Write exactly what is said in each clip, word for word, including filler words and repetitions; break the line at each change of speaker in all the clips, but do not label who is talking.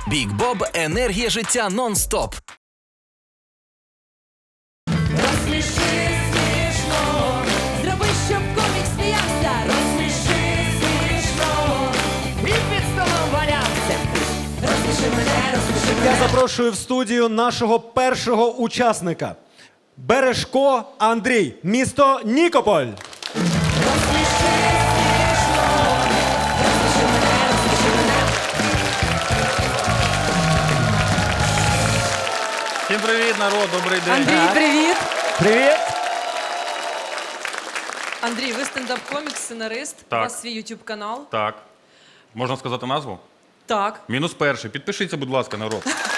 Бік Боб – енергія життя нон-стоп.
Розсміши смішно, зроби, щоб комік сміявся. Розсміши смішно, і під столом валявся. Розсміши мене, розсміши мене.
Я запрошую в студію нашого першого учасника. Бережко Андрій, місто Нікополь.
Розсміши смішно, розсміши мене, розсміши мене.
Всім привіт, народ, добрий день.
Андрій, привіт!
Привіт.
Андрій, ви стендап-комік, сценарист,
Так.
у вас свій ютуб-канал.
Так. Можна сказати назву?
Так.
Мінус перший. Підпишіться, будь ласка, народ.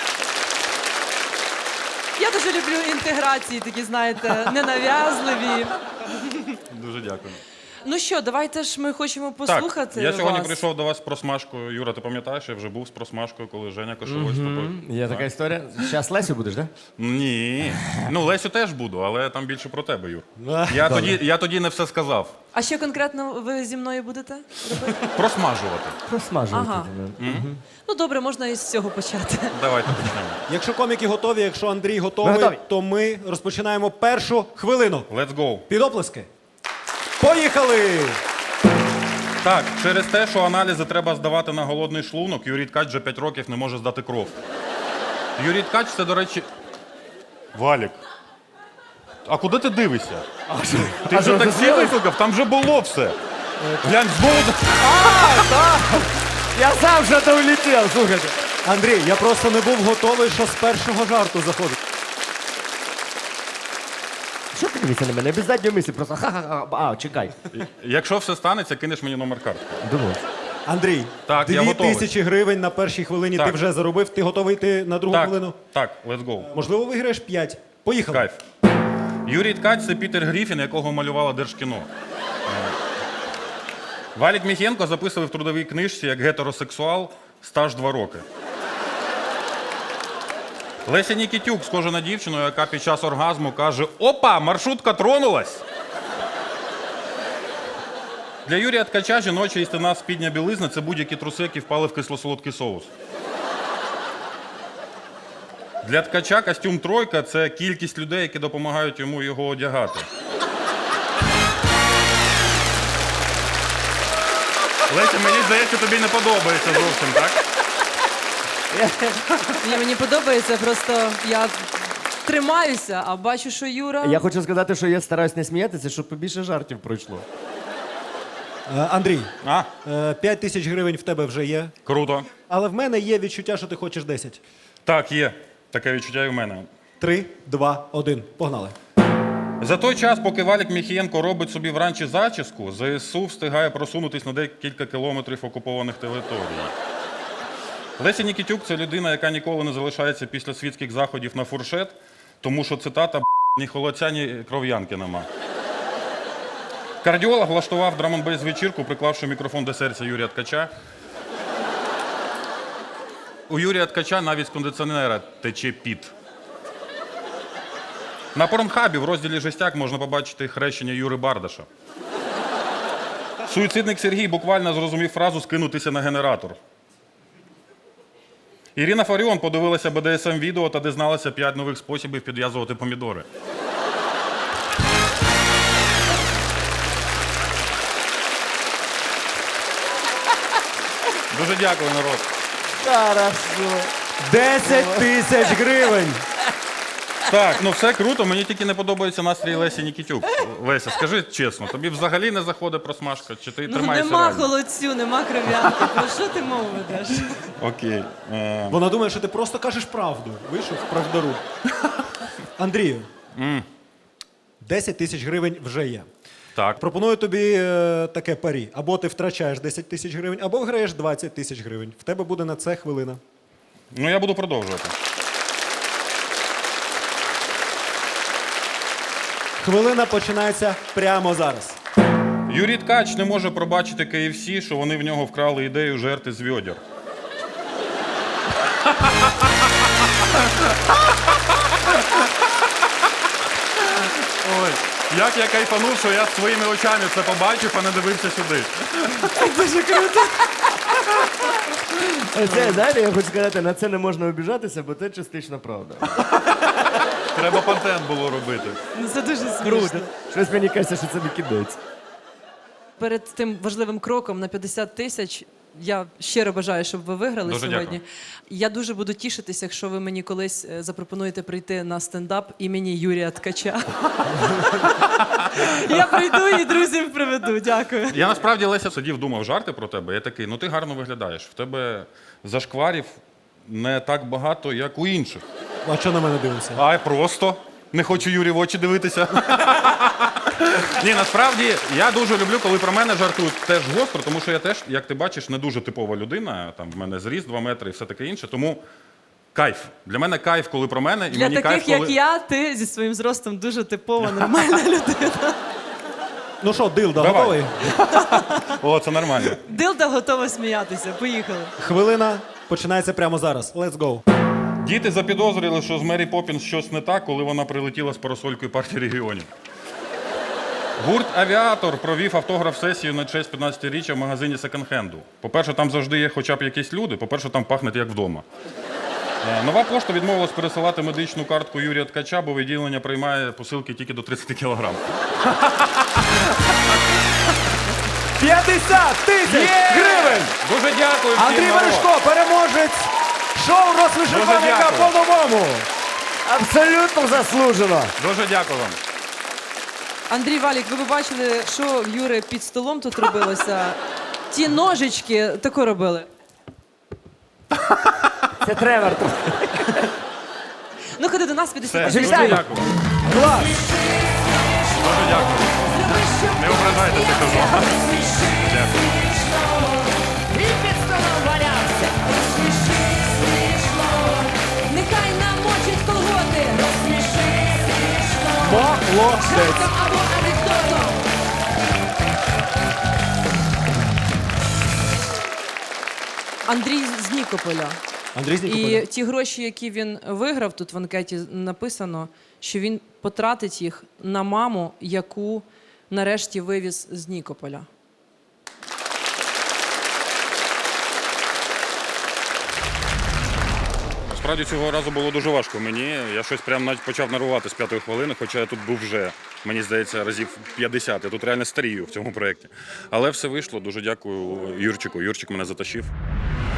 Я дуже люблю інтеграції, такі, знаєте, ненав'язливі.
Дуже дякую.
Ну що, давайте ж ми хочемо послухати
Так, я сьогодні
вас.
прийшов до вас з просмажкою. Юра, ти пам'ятаєш, я вже був з просмажкою, коли Женя Кошовой з тобою.
Є така історія. Зараз Лесю будеш, так?
Ні. Ну, Лесю теж буду, але там більше про тебе, Юр. Я тоді, я тоді не все сказав.
А що конкретно ви зі мною будете робити?
Просмажувати.
Просмажувати.
Ага. Ну добре, можна із цього почати.
Давайте почнемо.
Якщо коміки готові, якщо Андрій готовий,
Ми готові.
то ми розпочинаємо першу хвилину.
Let's go.
Під оплески. Поїхали!
Так, через те, що аналізи треба здавати на голодний шлунок, Юрій Ткач вже п'ять років не може здати кров. Юрій Ткач – це, до речі... Валік. А куди ти дивишся? Ти вже таксі викликав? Там вже було все. Глянь, знову...
Я сам вже то улетів, слухайте.
Андрій, я просто не був готовий, що з першого жарту заходить.
Що ти дивишся на мене? Без задньої мислі, просто ха-ха-ха. А, чекай.
Якщо все станеться, кинеш мені номер картки.
Думав.
Андрій,
Так, я
дві
готовий.
тисячі гривень на першій хвилині
Так.
ти вже заробив. Ти готовий йти на другу
Так,
хвилину?
так, let's go.
Можливо, виграєш п'ять. Поїхали.
Кайф. Юрій Ткач – це Пітер Гріфін, якого малювала Держкіно. Е, Валік Міхєнко записував в трудовій книжці як гетеросексуал стаж два роки. Леся Нікітюк схожа на дівчину, яка під час оргазму каже: «Опа, маршрутка тронулась!» Для Юрія Ткача жіноча істина спідня білизна – це будь-які труси, які впали в кисло-солодкий соус. Для Ткача костюм «тройка» – це кількість людей, які допомагають йому його одягати. Леся, мені здається, тобі не подобається зовсім, так?
Ні, мені подобається, просто я тримаюся, а бачу, що Юра...
Я хочу сказати, що я стараюсь не сміятися, щоб побільше жартів пройшло.
Е, Андрій,
А?
е, п'ять тисяч гривень в тебе вже є.
Круто.
Але в мене є відчуття, що ти хочеш десять.
Так, є. Таке відчуття і в мене.
Три, два, один. Погнали.
За той час, поки Валік Міхієнко робить собі вранці зачіску, ЗСУ встигає просунутись на декілька кілометрів окупованих територій. Леся Нікітюк – це людина, яка ніколи не залишається після світських заходів на фуршет, тому що, цитата, ні холодця, ні кров'янки нема. Кардіолог влаштував драм-н-бейс вечірку, приклавши мікрофон до серця Юрія Ткача. У Юрія Ткача навіть з кондиціонера тече піт. На Порнхабі в розділі «Жестяк» можна побачити хрещення Юри Бардаша. Суїцидник Сергій буквально зрозумів фразу «скинутися на генератор». Ірина Фаріон подивилася бе де ес ем-відео та дізналася п'ять нових способів підв'язувати помідори. Дуже дякую, народ.
Хорошо.
Десять тисяч гривень.
Так, ну все круто, мені тільки не подобається настрій Лесі Нікітюк. Леся, скажи чесно, тобі взагалі не заходить просмажка, чи ти
Ну
тримаєшся
нема
реально?
холодцю, нема кров'янки. Про що ти мову ведеш?
Окей. Е,
Вона думає, що ти просто кажеш правду. Вийшов в правдару. Андрію, десять тисяч гривень вже є.
так.
Пропоную тобі е, таке парі. Або ти втрачаєш десять тисяч гривень, або виграєш двадцять тисяч гривень. В тебе буде на це хвилина.
Ну я буду продовжувати.
Хвилина починається прямо зараз.
Юрій Ткач не може пробачити кей еф сі, що вони в нього вкрали ідею жерти з відьор. Ой, як я кайфанув, що я своїми очами це побачив, а не дивився сюди.
Дуже круто.
Це, знаєте, я хочу сказати, на це не можна обіжатися, бо це частично правда.
Треба контент було робити.
Ну, це дуже смішно.
Щось мені кажеться, що це не кінець.
Перед тим важливим кроком на п'ятдесят тисяч я щиро бажаю, щоб ви виграли
Дуже
сьогодні.
дякую.
Я дуже буду тішитися, якщо ви мені колись е, запропонуєте прийти на стендап імені Юрія Ткача. Я прийду і друзів приведу. Дякую.
Я насправді, Леся, сидів, думав жарти про тебе. Я такий, ну ти гарно виглядаєш. В тебе зашкварів не так багато, як у інших.
А що на мене дивишся?
А просто не хочу Юрі в очі дивитися. Ні, насправді я дуже люблю, коли про мене жартують теж гостро, тому що я теж, як ти бачиш, не дуже типова людина. Там в мене зріст два метри і все таке інше. Тому кайф. Для мене кайф, коли про мене, і
Для
мені
таких,
кайф,
як
коли...
я, ти зі своїм зростом дуже типова, нормальна людина.
Ну що, Дилда,
Давай.
готовий?
О, це нормально.
Дилда готова сміятися. Поїхали.
Хвилина починається прямо зараз. Let's go.
Діти запідозрили, що з Мері Поппінс щось не так, коли вона прилетіла з парасолькою партії регіонів. Гурт «Авіатор» провів автограф-сесію на честь п'ятнадцятиріччя в магазині секонд-хенду. По-перше, там завжди є хоча б якісь люди, по-перше, там пахне як вдома. Е, Нова пошта відмовилась пересилати медичну картку Юрія Ткача, бо відділення приймає посилки тільки до тридцять кілограм.
п'ятдесят тисяч гривень!
Дуже дякую всім,
Андрій
народ.
Верешко, переможець шоу «Розсміши
Дуже
коміка»
дякую.
по-новому.
Абсолютно заслужено.
Дуже дякую вам.
Андрій Валік, ви б бачили, що в Юри під столом тут робилося. Ті ножички тако робили.
Це Тревор.
Ну, ходи до нас п'ятдесят
Все,
тисяч.
дуже
Вітаю.
дякую.
Клас!
Дуже дякую. Не ображайтеся, кажу. Дякую.
Нехай намочить колготи. Розсміши смішно.
Молодець!
Жартом або анекдотом.
Андрій з Нікополя.
Андрій з Нікополя.
І ті гроші, які він виграв, тут в анкеті написано, що він потратить їх на маму, яку нарешті вивіз з Нікополя.
Справді цього разу було дуже важко мені. Я щось прям навіть почав нервувати з п'ятої хвилини, хоча я тут був вже, мені здається, разів п'ятдесят. Я тут реально старію в цьому проєкті. Але все вийшло. Дуже дякую Юрчику. Юрчик мене затащив.